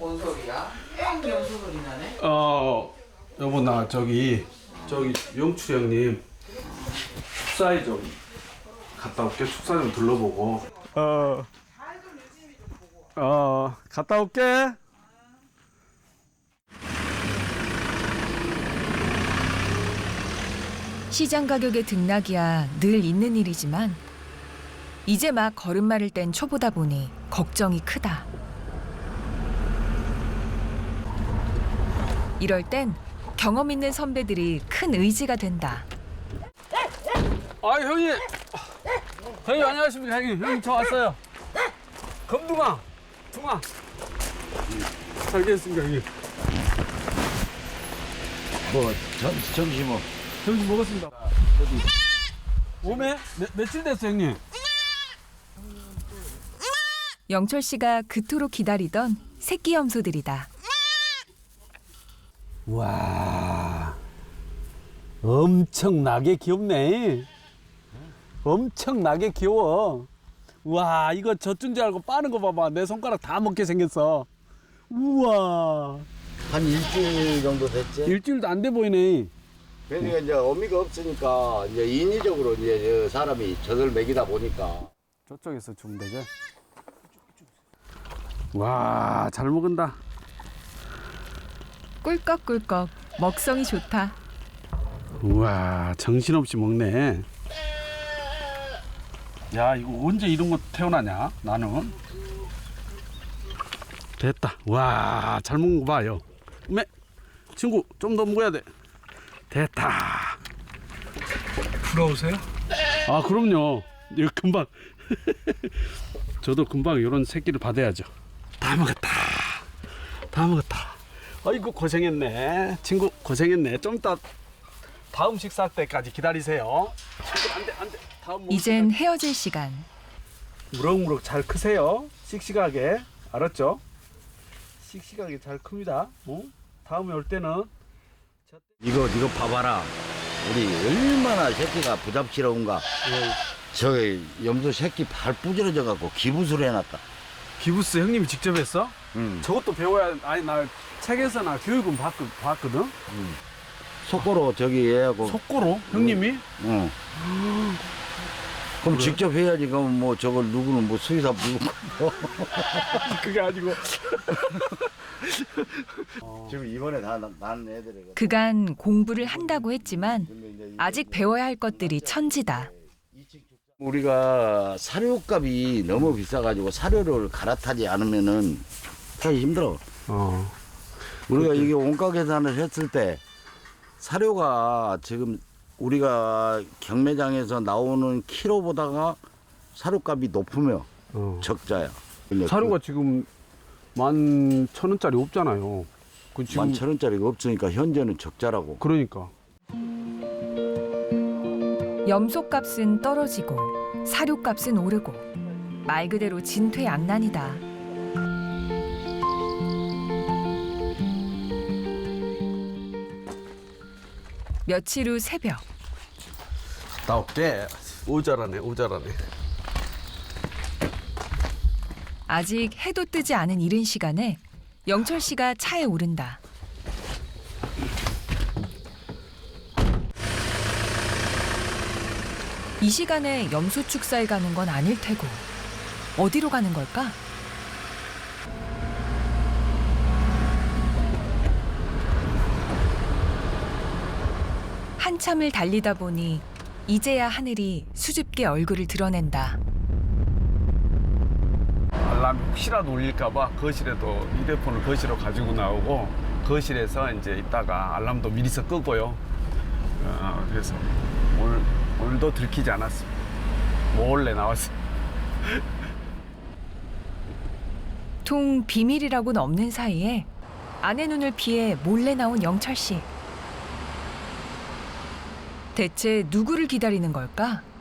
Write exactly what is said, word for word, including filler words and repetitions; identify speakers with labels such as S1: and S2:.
S1: 뭔 소리야? 엥 연수 소리 나네?
S2: 어, 여보 나 저기 저기 영출 형님 축사에 좀 갔다 올게. 축사 좀 둘러보고. 어. 어, 갔다 올게.
S3: 시장 가격의 등락이야 늘 있는 일이지만 이제 막 걸음마를 뗀 초보다 보니 걱정이 크다. 이럴 땐 경험 있는 선배들이 큰 의지가 된다.
S2: 아 형님, 형님 안녕하십니까 형님. 형님 저 왔어요. 검둥아, 둥아. 잘 계셨습니까 형님?
S4: 뭐 점, 점심 뭐
S2: 점심 먹었습니다. 오메? 며, 며칠 됐어 형님?
S3: 영철 씨가 그토록 기다리던 새끼 염소들이다.
S2: 와, 엄청나게 귀엽네. 엄청나게 귀여워. 와, 이거 젖준 줄 알고 빠는 거 봐봐. 내 손가락 다 먹게 생겼어. 우와.
S4: 한 일주일 정도 됐지.
S2: 일주일도 안 돼 보이네.
S4: 그러니까 이제 어미가 없으니까 이제 인위적으로 이제 저 사람이 젖을 먹이다 보니까.
S2: 저쪽에서 주면 되지. 와, 잘 먹은다.
S3: 꿀꺽꿀꺽 먹성이 좋다.
S2: 우와, 정신없이 먹네. 야, 이거 언제 이런 거 태어나냐? 나는. 됐다. 와, 잘 먹는 거 봐요. 매, 친구 좀 더 먹어야 돼. 됐다. 부러우세요? 아, 그럼요. 이거 금방. 저도 금방 이런 새끼를 받아야죠. 다 먹었다. 다 먹었다. 아이고 고생했네. 친구 고생했네. 좀 이따 다음 식사 때까지 기다리세요. 안돼 안돼. 다음
S3: 이젠 헤어질 시간.
S2: 무럭무럭 잘 크세요. 씩씩하게. 알았죠? 씩씩하게 잘 큽니다. 어? 다음에 올 때는
S4: 이거 이거 봐봐라. 우리 얼마나 새끼가 부잡스러운가. 저 염소 새끼 발 부지러져 갖고 기부술 해놨다.
S2: 기부스 형님이 직접 했어?
S4: 응.
S2: 저것도 배워야. 아니 나 책에서나 교육은 받, 받거든.
S4: 응. 속고로 저기 해하고.
S2: 속고로 형님이?
S4: 응. 그럼 직접 해야지. 그럼 뭐 저걸 누구는 뭐 수의사 부르고.
S2: 그게 아니고.
S4: 지금 이번에 다 난 애들이.
S3: 그간 공부를 한다고 했지만 아직 배워야 할 것들이 천지다.
S4: 우리가 사료값이 너무 비싸가지고 사료를 갈아타지 않으면은 하기 힘들어.
S2: 어.
S4: 우리가 이게 원가 계산을 했을 때 사료가 지금 우리가 경매장에서 나오는 키로보다가 사료값이 높으면
S2: 어.
S4: 적자야.
S2: 사료가 지금 만 천 원짜리 없잖아요. 그 지금
S4: 만 천 원짜리가 없으니까 현재는 적자라고.
S2: 그러니까.
S3: 염소값은 떨어지고 사료값은 오르고 말 그대로 진퇴양난이다. 며칠 후 새벽.
S2: 나 올게. 오잘하네 오잘하네.
S3: 아직 해도 뜨지 않은 이른 시간에 영철 씨가 차에 오른다. 이 시간에 염소 축사에 가는 건 아닐 테고 어디로 가는 걸까? 한참을 달리다 보니 이제야 하늘이 수줍게 얼굴을 드러낸다.
S2: 알람이 혹시라도 울릴까봐 거실에도 휴대폰을 거실로 가지고 나오고 거실에서 이제 있다가 알람도 미리서 끄고요. 어, 그래서 오늘 오늘도 들키지 않았습니다. 몰래 나왔어요.
S3: 통 비밀이라고는 없는 사이에 아내 눈을 피해 몰래 나온 영철 씨. 대체 누구를 기다리는 걸까?